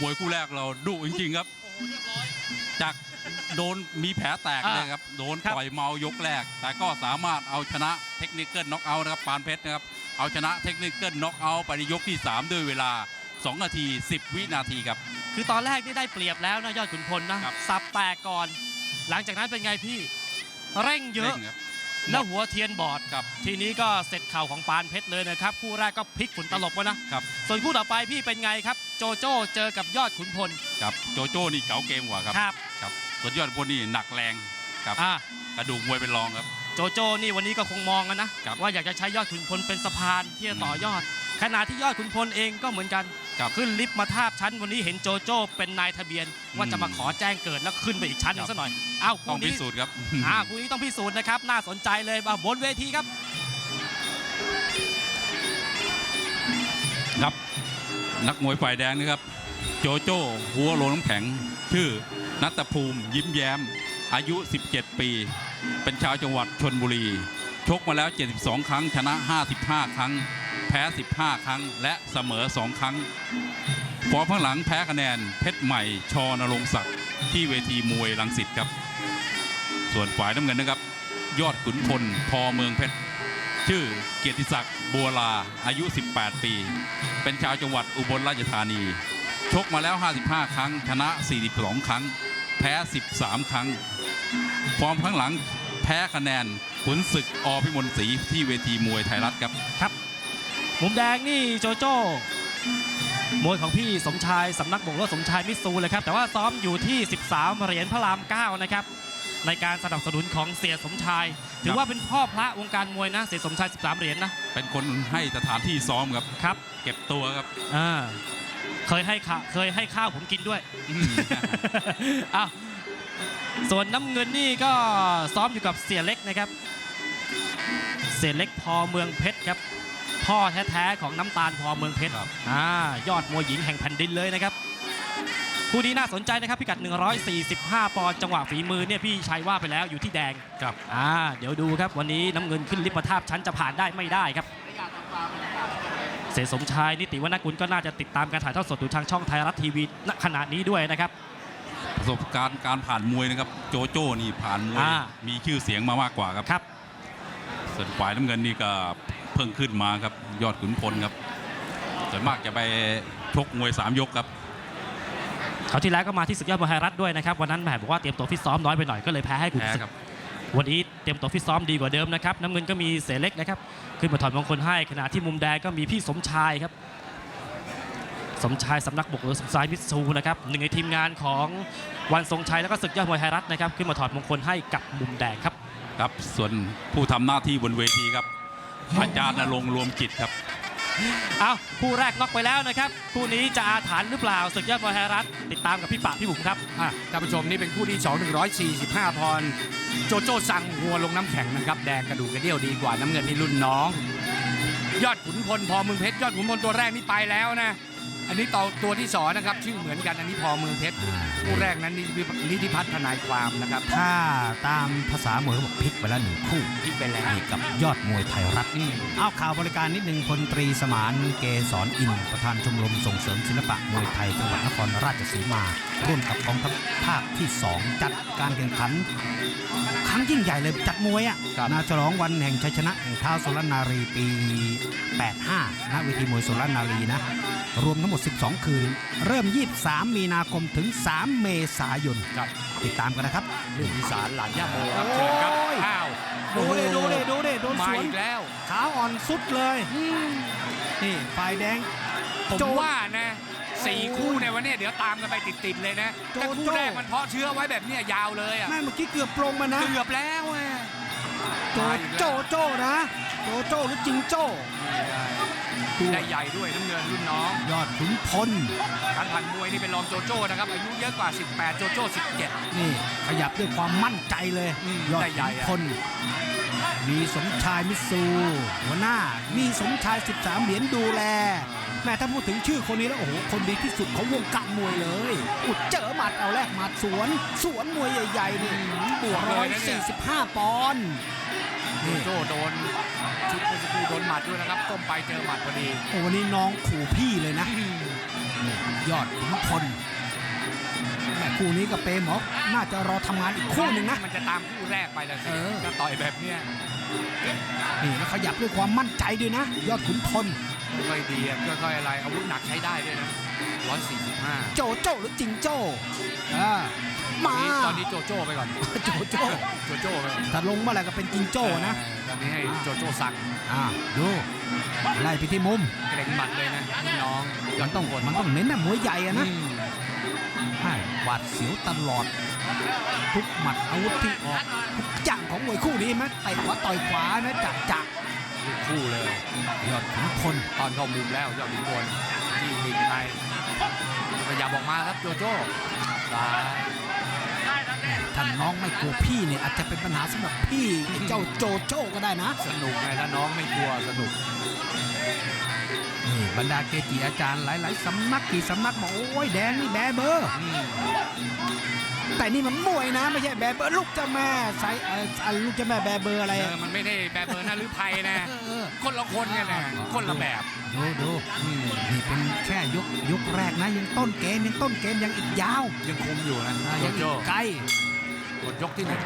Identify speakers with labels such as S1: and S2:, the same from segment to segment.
S1: มวยคู่แรกเราดุจริงๆครับจากโดนมีแผลแตกเลยครับโดนต่อยเมายกแรกแต่ก็สามารถเอาชนะเทคนิคเกิลน็อกเอาท์นะครับปานเพชรนะครับเอาชนะเทคนิคเกิลน็อกเอาท์ไปในยกที่3ด้วยเวลา2 นาที 10 วินาทีครับ
S2: คือตอนแรกนี่ได้เปรียบแล้วนะยอดขุนพลนะสับแตกก่อนหลังจากนั้นเป็นไงพี่เร่งเยอะแล้วหัวเทียนบอดครับทีนี้ก็เสร็จเข่าของปานเพชรเลยนะครับคู่แรกก็พลิกฝุ่นตลบวะนะครับส่วนคู่ต่อไปพี่เป็นไงครับโจโจ้เจอกับยอดขุนพล
S1: ครับโจโจ้นี่เก๋าเกมกว่าครับครับส่วนยอดขุนพลนี่หนักแรงครับกระดูกมวยเป็นรองครับ
S2: โจโจ้นี่วันนี้ก็คงมองกันนะว่าอยากจะใช้ยอดขุนพลเป็นสะพานที่จะต่อยอดขณะที่ยอดขุนพลเองก็เหมือนกันขึ้นลิฟต์มาทาบชั้นวันนี้เห็นโจโจ้เป็นนายทะเบียนว่าจะมาขอแจ้งเกิดแล้วขึ้นไปอีกชั้นนึงซะหน่อย
S1: ต้องพิสูจน์ครับ
S2: คู่นี้ต้องพิสูจน์นะครับน่าสนใจเลยบนเวทีครับ
S1: ครับนักมวยฝ่ายแดงนะครับโจโจ้หัวโลน้ำแข็งชื่อณัฐภูมิยิ้มแย้มอายุ17 ปีเป็นชาวจังหวัดชลบุรีชกมาแล้ว72 ครั้งชนะ55 ครั้งแพ้15 ครั้งและเสมอ2 ครั้งฟอร์มข้างหลังแพ้คะแนนเพชรใหม่ชนรงค์ศักดิ์ที่เวทีมวยรังสิตครับส่วนฝ่ายน้ำเงินนะครับยอดขุนพลพเมืองเพชรชื่อเกียรติศักดิ์บัวลาอายุ18 ปีเป็นชาวจังหวัดอุบลราชธานีชกมาแล้ว55 ครั้งชนะ42 ครั้งแพ้13 ครั้งฟอร์มข้างหลังแพ้คะแนนขุนศึกอพิมลศรีที่เวทีมวยไทยรัฐครับ
S2: ครับมุมแดงนี่โจโจ้มวยของพี่สมชายสำนักบกรถสมชายมิตซูเลยครับแต่ว่าซ้อมอยู่ที่13 เหรียญพระราม 9นะครับในการสนับสนุนของเสียสมชายถือว่าเป็นพ่อพระวงการมวยนะเสียสมชาย13 เหรียญนะ
S1: เป็นคนให้สถานที่ซ้อมครับเก็บตัวครับ
S2: เคยให้ข้าวผมกินด้วยส่วนน้ำเงินนี่ก็ซ้อมอยู่กับเสียเล็กนะครับเสียเล็กพเมืองเพชรครับพ่อแท้ๆของน้ำตาลพเมืองเพชรยอดมวยหญิงแห่งแผ่นดินเลยนะครับคู่นี้น่าสนใจนะครับพิกัด145 ปอนด์จังหวะฝีมือเนี่ยพี่ชัยว่าไปแล้วอยู่ที่แดง
S1: ครับ
S2: เดี๋ยวดูครับวันนี้น้ำเงินขึ้นลิฟต์มาทาบชั้นจะผ่านได้ไม่ได้ครับเสสมชายนิติวรรณกุลก็น่าจะติดตามการถ่ายทอดสดอยู่ทางช่องไทยรัฐทีวีณขณะนี้ด้วยนะครับ
S1: ประสบการณ์การผ่านมวยนะครับโจโจ้นี่ผ่านมวยมีชื่อเสียงมามากกว่าครับส่วนฝ่ายน้ำเงินนี่ก็เพิ่งขึ้นมาครับยอดขุนพลครับส่วนมากจะไปชกมวย3 ยกครับ
S2: เขาที่แล้วก็มาที่ศึกยอดมวยไทยรัฐด้วยนะครับวันนั้นแหมบอกว่าเตรียมตัวฟิตซ้อมน้อยไปหน่อยก็เลยแพ้ให้ขุนศึกวันนี้เตรียมตัวฟิตซ้อมดีกว่าเดิมนะครับน้ำเงินก็มีเสเล็กนะครับขึ้นมาถอดมงคลให้ขณะที่มุมแดงก็มีพี่สมชายครับสมชายสำนักบกหรือสมชายมิตซูนะครับหนึ่งในทีมงานของวันทรงชัยแล้วก็ศึกยอดมวยไทยรัฐนะครับขึ้นมาถอดมงคลให้กับมุมแดงครับ
S1: ครับส่วนผู้ทำหน้าที่บนเวทีครับอาจารย์ณรงค์รวมจิตครับ
S2: คู่แรกน็อกไปแล้วนะครับคู่นี้จะอาถรรพ์หรือเปล่าศึกยอดมวยไทยรัฐติดตามกับพี่ปะพี่บุ๋มครับ
S3: ท่านผู้ชมนี่เป็นคู่ที่2 145 ปอนด์โจโจ้สั่งหัวลงน้ำแข็งนะครับแดงกระดูกกระเดี่ยวดีกว่าน้ำเงินนี่รุ่นน้องยอดขุนพลพเมืองเพชรยอดขุนพลตัวแรกนี่ไปแล้วนะอันนี้ตัวที่2นะครับชื่อเหมือนกันอันนี้พเมืองเพชรคู่แรกนั้นนิติพัฒน์ทนายความนะครับ
S4: ถ้าตามภาษามวยเขาบอกพลิกไปแล้ว1 คู่
S3: พลิกไปแล้ว
S4: กับยอดมวยไทยรัฐเอาข่าวบริการนิดนึงพลตรีสมานเกษรอินประธานชมรมส่งเสริมศิลปะมวยไทยจังหวัดนครราชสีมาร่วมกับกองทัพภาคที่2จัดการแข่งขันครั้งยิ่งใหญ่เลยจัดมวยนาฉลองวันแห่งชัยชนะแห่งเท้าสุรนารีปี85ณเวทีมวยสุรนารีนะรวมทั้งหมด12 คืนเริ่ม23 มีนาคมถึง3 เมษายนติดตามกันนะครับ
S3: เรื่องอีสานหลานย่าโมครับเชิญครับ
S4: ดูเลยโดนสวน
S3: แล้ว
S4: ขาอ่อนสุดเลยนี่ฝ่ายแดง
S3: ผมว่านะ4 คู่ในวันนี้เดี๋ยวตามกันไปติดๆเลยนะแต่คู่แรกมันเพาะเชื้อไว้แบบนี้ยาวเลย
S4: แม่เมื่อกี้เกือบปลงมานะ
S3: เกือบแล้ว
S4: โจนะโจหรือจิงโจ้
S3: ได้ใหญ่ด้วยน้ำเงินรุ่นน้อง
S4: ยอดขุนพล
S3: การผ่านมวยนี่เป็นรองโจโจ้นะครับอายุเยอะกว่า18โจโจ้17
S4: นี่ขยับด้วยความมั่นใจเลยยอดขุนพลมีสมชายมิตซูหัวหน้ามีสมชาย13 เหรียญดูแลแม่ถ้าพูดถึงชื่อคนนี้แล้วโอ้โหคนดีที่สุดของวงการมวยเลยอุดเจอหมัดเอาแรกหมัดสวนมวยใหญ่ๆนี่บวก145 ปอนด์
S3: โจโดนชุดเมื่อสักครู่โดนหมัดด้วยนะครับก้มไปเจอหมัดพอดี
S4: โอ้วันนี้น้องขู่พี่เลยนะยอดขุนพลแม่คู่นี้กับเปหมอน่าจะรอทำงานอีกคู่หนึ่งนะ
S3: มันจะตามคู่แรกไปแล้วสิถ้าต่อยแบบเนี้ย
S4: นี่แล้วขยับด้วยความมั่นใจด้วยนะ ยอดขุนพล
S3: ค่อยๆดีค่อยๆอะไรอาวุธหนักใช้ได้ด้วยนะ145
S4: โจโจ้หรือจิงโจ้มา
S3: ตอนนี้โจโจ้ไปก่อน
S4: โจโจ้
S3: โจโจ้ไปก่อน
S4: ถ้าลงเมื่อไหร่ก็เป็นจิงโจ้นะ
S3: ตอนนี้ให้โจโจ้สั่ง
S4: ดูไล่ไปที่มุม
S3: เกรงหมัดเลยนะพี่น้องยอ
S4: มั
S3: ด
S4: นต้อง
S3: คน
S4: มันต้องเน้นนะมวยใหญ่อะนะหวาดเสียวตลอดทุกหมัดอาวุธที่ออกทุกอย่างของมวยคู่นี้ไหมเตะขวาต่อยขวานะจัก
S3: คู่เลย
S4: ยอดขุนพล
S3: ตอนเข้ามุมแล้วยอดขุนพลที่ติดในขยับออกมาครับโจโจ้ซ้าย
S4: ท่านน้องไม่กลัวพี่เนี่ยอาจจะเป็นปัญหาสำหรับพี่เจ้าโจโจ้ก็ได้นะ
S3: สนุกไงถ้าน้องไม่กลัวสนุก
S4: นี่บรรดาเกจิอาจารย์หลายๆสำนักกี่สำนักบอกโอ้ยแดงนี่แบเบอร์ แต่นี่มันมวยนะไม่ใช่แบเบอร์ลูกเจ้าแม่ใส่ลูกเจ้าแม่แบเบอร์อะไร
S3: มันไม่ได้แบบเบอร์น่าหรือไพนะคนละคนกันนะคนละแบบ
S4: ดูนี่เป็นแค่ยกแรกนะยังต้นเกมยังอีกยาว
S3: ยังคุมอยู่นะโจ
S4: ยังอี
S3: โจ้
S4: กไกล
S3: หมดยกที่หนึ่ง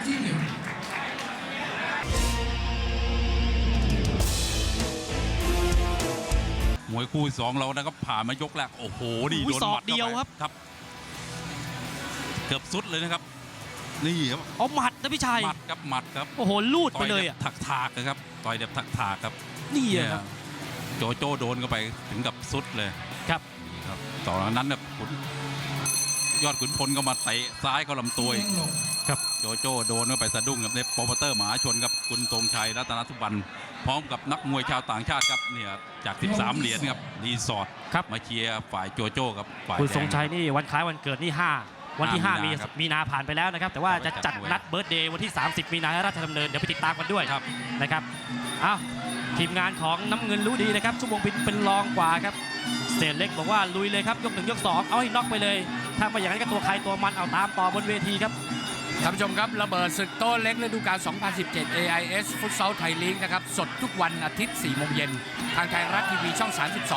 S1: มวยคู่ที่สองเรานะครับผ่านมายกแรกโอ้โหดี
S2: อุ้
S1: โด
S2: ย
S1: น
S2: ศอก
S1: หมัด
S2: เดียวครับ
S1: ครับเกือบสุดเลยนะครับนี่ครับ
S2: เอาหมัดนะพี่ชัย
S1: หมัดครับหมัดครับ
S2: โอ้โหลูดไปเลย
S1: ต่
S2: อ่ะ
S1: แบบถากๆนะครับต่อยแบบถากๆครับ
S2: นี่
S1: เนี่ย
S2: ครับ
S1: โจโจ้โดนเข้าไปถึงกับสุดเลย
S2: ครับ
S1: นี่ครับต่อจากนั้นเนี่ยยอดขุนพลก็มาเตะซ้ายเข้าลำตัวอีก
S2: ครับ
S1: โจโจ้โดนเข้าไปสะดุ้งกับในโปรโมเตอร์มหาชนครับคุณทรงชัยรัตนสุวรรณพร้อมกับนักมวยชาวต่างชาติครับเนี่ยจาก 13 เหรียญครับรีสอร์ท
S2: ครับ
S1: มาเชียร์ฝ่ายโจโจ้กับฝ่าย
S2: คุณ
S1: แด
S2: ทรงชัยนี่วันคล้ายวันเกิดนี่5วันที่
S1: 5
S2: 5 มีนาผ่านไปแล้วนะครับ แต่ว่าจะจัดนัดเบิร์ธเดย์วันที่ 30 มีนาให้ราชดำเนินเดี๋ยวไปติดตามกันด้วย
S1: ครับ
S2: นะครับอ้าวทีมงานของน้ำเงินรู้ดีนะครับชั่วโมงบินเป็นรองกว่าครับเศษเล็กบอกว่าลุยเลยครับยก 1 ยก 2 เอาให้น็อกไปเลย ถ้าไม่อย่างนั้นก็ตัวใครตัวมันเอาตามต่อบนเวทีครับ
S3: ท่านผู้ชมครับระเบิดศึกโต๊ะเล็กฤดูกาล 2017 AIS ฟุตซอลไทยลีกนะครับสดทุกวันอาทิตย์ 4 โมงเย็นทางไทยรัฐทีวีช่อง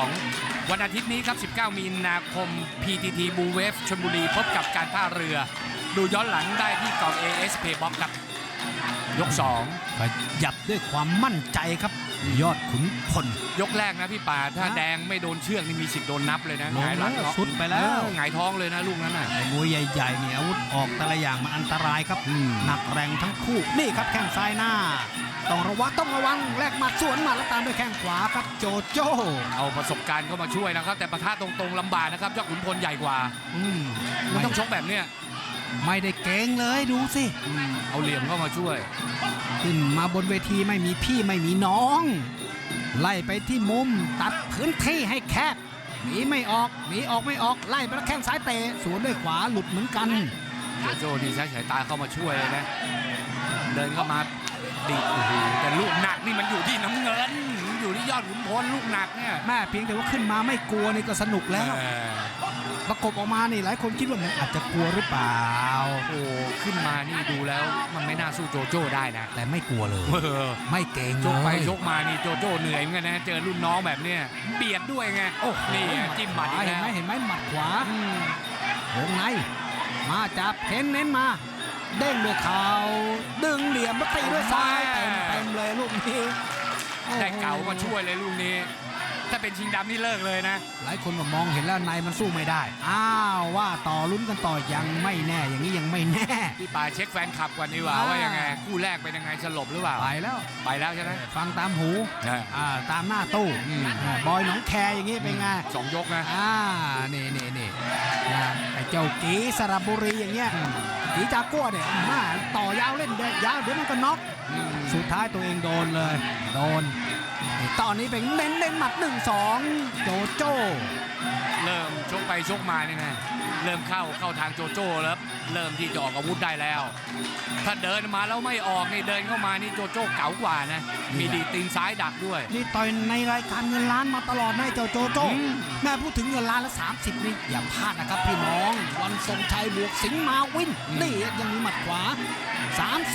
S3: 32 วันอาทิตย์นี้ครับ 19 มีนาคม PTT Blue Wave ชลบุรีพบกับการท่าเรือ ดูย้อนหลังได้ที่กล่อง AS Paybox ครับยก 2
S4: ขยับด้วยความมั่นใจครับยอดขุนพล
S3: ยกแรกนะพี่ป่าถ้าแดงไม่โดนเชือกนี่มีสิทธิ์โดนนับเลยนะ
S4: ลง
S3: หงายหลัง
S4: แล้ว
S3: น็อก
S4: สุดไปแล้ว
S3: หงายท้องเลยนะลูกนั้นน่ะ
S4: ไอ้มวยใหญ่ๆเนี่ยอาวุธออกแต่ละอย่างมันอันตรายครับหนักแรงทั้งคู่นี่ครับแข้งซ้ายหน้า ต้องระวังแลกหมัดสวนหมัดแล้วตามด้วยแข้งขวาครับโจโจ้
S3: เอาประสบการณ์เข้ามาช่วยนะครับแต่ปะทะตรงๆลำบากนะครับยอดขุนพลใหญ่กว่า มันต้องชกแบบเนี้ย
S4: ไม่ได้เก่งเลยดูสิ
S3: เอาเหลี่ยมเข้ามาช่วย
S4: ขึ้นมาบนเวทีไม่มีพี่ไม่มีน้อง ไล่ไปที่มุมตัดพื้นที่ให้แคบหนีไม่ออกไม่ออกไล่ไปแล้วแข้งซ้ายเตะสวนด้วยขวาหลุดเหมือนกัน
S3: โจโจ้ดีใช้สายตาเข้ามาช่วยเลยนะ เดินเข้ามาดีโอ้โหแต่ลูกหนักนี่มันอยู่ที่น้ำเงินมันอยู่ที่ยอดขุนพลลูกหนักเนี่ย
S4: แม่เพียงแต่ว่าขึ้นมาไม่กลัวนี่ก็สนุกแล้ว
S3: เออ
S4: ประกบออกมานี่หลายคนคิดว่ามันอาจจะกลัวหรือเปล่า
S3: โอ้โหขึ้นมานี่ดูแล้วมันไม่น่าสู้โจโจ้ได้นะ
S4: แต่ไม่กลัวเลย
S3: เออ
S4: ไม่เก่ง
S3: ช
S4: เล
S3: กไป
S4: ย
S3: ชกมานี่โจโจ้เหนื่อยเหมือนกันนะเจอรุ่นน้องแบบเนี้ยเบียดด้วยไงโอ้นี่จิ้มหมัดอีก
S4: เห็
S3: แล้
S4: น
S3: ว
S4: ไหมหมัดขวา วงในมาจับเน้นมาเด้งด้วยเข่าดึงเหลี่ยมมาตีด้วยซ้ายเต็มเลยลูกนี้
S3: ได้เก่ามาช่วยเลยลูกนี้ ถ้าเป็นชิงดำนี่เลิกเลยนะ
S4: หลายคนก็มองเห็นแล้วในมันสู้ไม่ได้อ้าวว่าต่อลุ้นกันต่อยังไม่แน่อย่างนี้ยังไม่แน่
S3: พี่ป่าเช็คแฟนคลับก่อนดีกว่าว่ายังไงคู่แรกเป็นยังไงสลบหรือเปล่า
S4: ไปแล้ว
S3: ไปแล้วใช่ไหม
S4: ฟังตามหูตามหน้าตู้บอยหนองแคอย่างนี้เป็นไง
S3: สองยกนะ
S4: นี่ไอ้เจ้ากีสระบุรีอย่างเงี้ยกีจากัวเนี่ยมาต่อยาวเล่นเด็กยาวเดี๋ยวมันก็น็อกสุดท้ายตัวเองโดนเลยโดนตอนนี้เป็นเน้นหมัด 1-2 โจโจ้
S3: เริ่มชกไปชกมาเนี่ยนะเริ่มเข้าทางโจโจ้แล้วเริ่มที่จะออกอาวุธได้แล้ว ถ้าเดินมาแล้วไม่ออกนี่เดินเข้ามานี่โจโจ้เก๋ากว่านะมีดีตีนซ้ายดักด้วย
S4: นี่ต่อยในรายการเงินล้านมาตลอดนะเจ้าโจโจ้แม่พูดถึงเงินล้านละ30นี่อย่าพลาดนะครับพี่น้องวันทรงชัยบวกสิงห์มาวินนี่ยังมีหมัดขวา30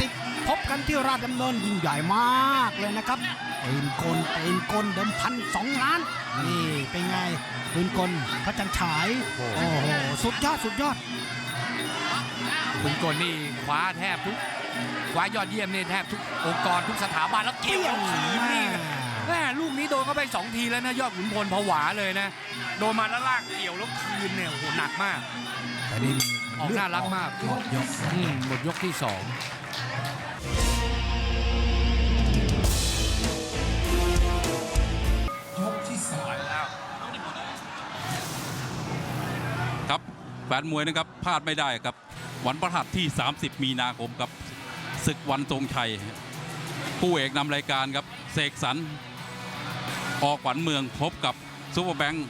S4: พบกันที่ราชดำเนินยิ่งใหญ่มากเลยนะครับปืนกลเดิมพัน2 ล้านนี่เป็นไงปืนกลพระจันทร์ฉายโอ้โหสุดยอด
S3: คุณกลนี่คว้ายอดเยี่ยมนี่แทบทุกองค์กรทุกสถาบันแล้วเกี่ยวขีนี่แม่ลูกนี้โดนเข้าไป2 ทีแล้วนะยอดขุนพลผวาเลยนะโดนมาแล้วลากเกี่ยวแล้วคืนเนี่ยโอ้โหหนักมาก
S4: แต่นี่
S3: ออกน่ารักมาก
S4: หมดยก
S3: หมดยกที่ 2
S1: ครับแฟนมวยนะครับพลาดไม่ได้ครับวันพฤหัสที่ 30 มีนาคมครับศึกวันทรงชัยผู้เอกนำรายการครับเสกสรรออกขวัญเมืองพบกับซุปเปอร์แบงค์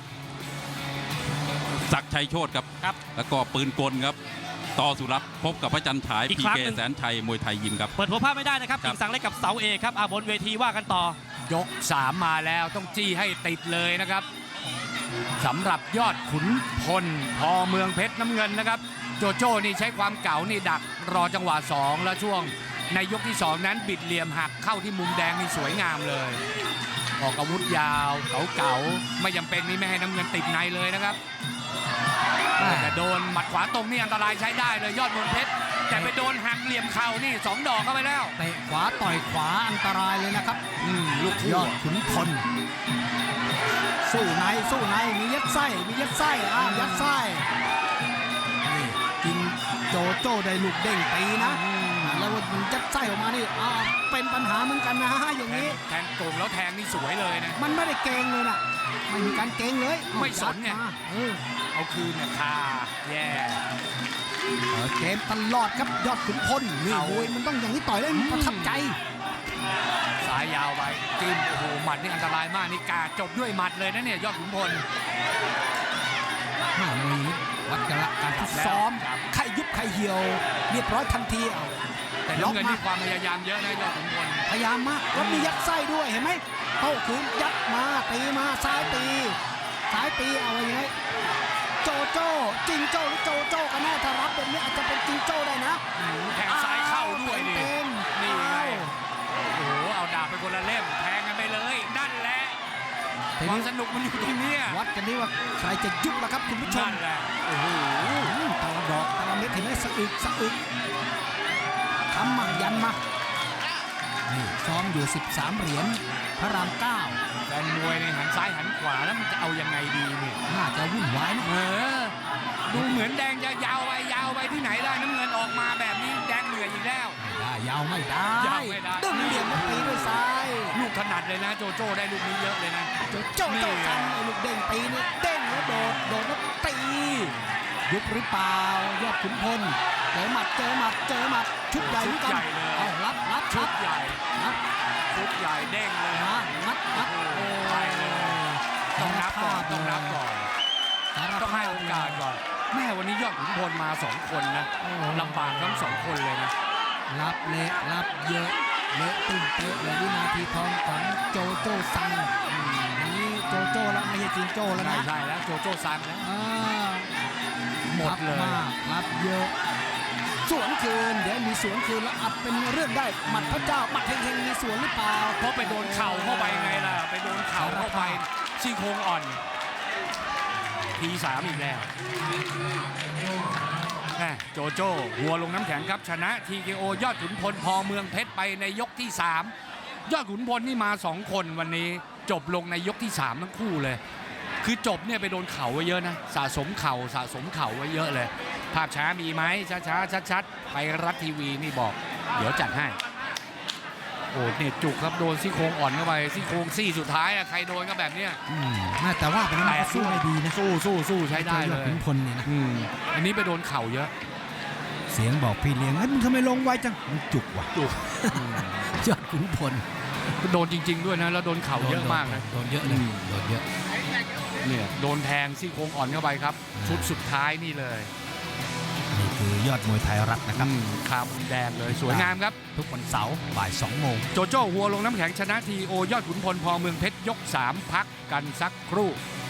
S1: ศักดิ์ชัยโชติครับแล้วก็ปืนกลครับต่อสุรัตน์พบกับพระจันทร์ฉายพีเคแสนชัยมวยไทยยิมครับ
S2: เปิดหัวภาพไม่ได้นะครับกิ่งสังเล็กกับเสาเอกครับบนเวทีว่ากันต่อย
S3: ก 3มาแล้วต้องจี้ให้ติดเลยนะครับสำหรับยอดขุนพลพอเมืองเพชรน้ำเงินนะครับโจโจ้นี่ใช้ความเก่านี่ดักรอจังหวะ2แล้วช่วงในยกที่2นั้นบิดเหลี่ยมหักเข้าที่มุมแดงนี่สวยงามเลยออกอาวุธยาวเก่าๆไม่จำเป็นนี่ไม่ให้น้ำเงินติดในเลยนะครับแต่โดนหมัดขวาตรงนี่อันตรายใช้ได้เลยยอดมนเพชรแต่ไปโดนหักเหลี่ยมเข่านี่2 ดอกเข้าไปแล้ว
S4: เตะขวาต่อยขวาอันตรายเลยนะครับ
S3: ลูก
S4: ยอดขุนพลสู้ในมียัดไส้ยัดไส้นี่กินโจโจ้ได้ลูกเด้งตีนะแล้วมันยัดไส้ออกมานี่เป็นปัญหาเหมือนกันนะอย่างนี้
S3: แทงโก่งแล้วแทงนี่สวยเลยนะ
S4: มันไม่ได้เกงเลยนะไม่มีการเกงเลย
S3: ไม่สนไงเอาคืนเนี่ยคาแย่
S4: เกมตลอดครับยอดขุนพลนี่โอ้ยมันต้องอย่างนี้ต่อยแล้วมันประทับใจ
S3: สายยาวไปจิ้มโอ้โหหมัดนี่อันตรายมากนี่กาจบด้วยหมัดเลยนะเนี่ยยอดขุนพล
S4: มีวัดกันละการฟิตซ้อมใครยุบใครเหี่ยวเรียบร้อยทันที
S3: แต่น้ำเงินนี่ความพยายามเยอะนะยอดขุนพล
S4: พยายามมากแล้วมียัดไส้ด้วยเห็นไหมโต้คืนยัดมาตีมาซ้ายตีเอาไว้ไงโจโจ้จิงโจ้หรือโจโจ้กันแน่ถ้ารับแบบนี้อาจจะเป็นจิงโจ้ได้นะ
S3: แทงซ้ายเข้าด้วยนี่ไงโอ้โหเอาดาบไปคนละเล่มแทงกันไปเลยนั่นแหละความสนุกมันอยู่ตรงนี้
S4: วัดกันนี่ว่าใครจะยุบล่ะครับคุณผู้ชม
S3: โอ้โห
S4: ตะดอกตะเม็ดเห็นไหมสะอึกทำมายันมานี่ซ้อมอยู่13 เหรียญพระราม 9
S3: แฟนมวยในหันซ้ายหันขวาแล้วมันจะเอายังไงดีเนี่ย
S4: น่าจะวุ่นวาย
S3: ดูเหมือนแดงจะยาวไปที่ไหนได้น้ำเงินออกมาแบบนี้แดงเหนื่อยอีกแล้ว
S4: ยาวไม่ได้ดึงเหลี่ยมตีด้วยซ้าย
S3: ลูกถนัดเลยนะโจโจ้ได้ลูกนี้เยอะเลยนะ
S4: โจโจ้ทำลูกเด้งตีนี่เด้งแล้วโดดแล้วตียุบหรือเปล่ายอดขุนพลเจอหมัดชุดใหญ่เลยเอารับ
S3: ชุดใหญ่เด้งเลย
S4: งัด
S3: ต้องนับก่อนต้องให้โอกาสก่อนแม่วันนี้ยอดขุนพลมา2 คนนะลำบากทั้ง2 คนเลยนะ
S4: รับเละรับเยอะเละตึ้งเตะเลยวินาทีทองของโจโจ้ซังนี่โจโจ้แล้วไม่ใช่จิงโจ้แล้วนะ
S3: ใช่แล้วโจโจ้ซังแล้วหมดเลย
S4: รับเยอะสวนคืนเดี๋ยวมีสวนคืนแล้วอัดเป็นเรื่องได้หมัดพระเจ้าหมัดเฮงมีสวนหรือเปล่า
S3: เพราะไปโดนเข่าเข้าไปไงล่ะไปโดนเข่าเข้าไปซี่โครงอ่อนที3อีกแล้วโจโจ้หัวลงน้ำแข็งครับชนะ TKO ยอดขุนพลพอเมืองเพชรไปในยกที่3ยอดขุนพลนี่มา2 คนวันนี้จบลงในยกที่3ทั้งคู่เลยคือจบเนี่ยไปโดนเข่าไว้เยอะนะสะสมเข่าไว้เยอะเลยภาพช้ามีไหมช้าชัดไปรัฐทีวีนี่บอกเดี๋ยวจัดให้โอ้เนี่ยจุกครับโดนซี่โครงอ่อนเข้าไปซี่โครงซี่สุดท้ายใครโดนก็แบบเนี้ย
S4: แต่ว่าเป็นมันสู้ไม่ดีนะ
S3: สู้ใช้ได้เลย
S4: ขุนพลนี่นะ
S3: อันนี้ไปโดนเข่าเยอะ
S4: เสียงบอกพี่เลี้ยงมึงทำไมลงไวจังมันจุกว่ะยอดขุนพล
S3: โดนจริงๆด้วยนะแล้วโดนเข่าเยอะมากนะ
S4: โดนเยอะเลยโดนเยอะ
S3: เนี่ยโดนแทงซี่โครงอ่อนเข้าไปครับชุดสุดท้ายนี่เลย
S4: นี่คือยอดมวยไทยรัฐนะครับ
S3: ขาวแดงเลยสวยงามครับ
S4: ทุกวันเสาร์บ่าย 2 โมง
S3: โจโจ้หัวลงน้ำแข็งชนะ TKO ยอดขุนพลพอเมืองเพชรยก 3พักกันสักครู่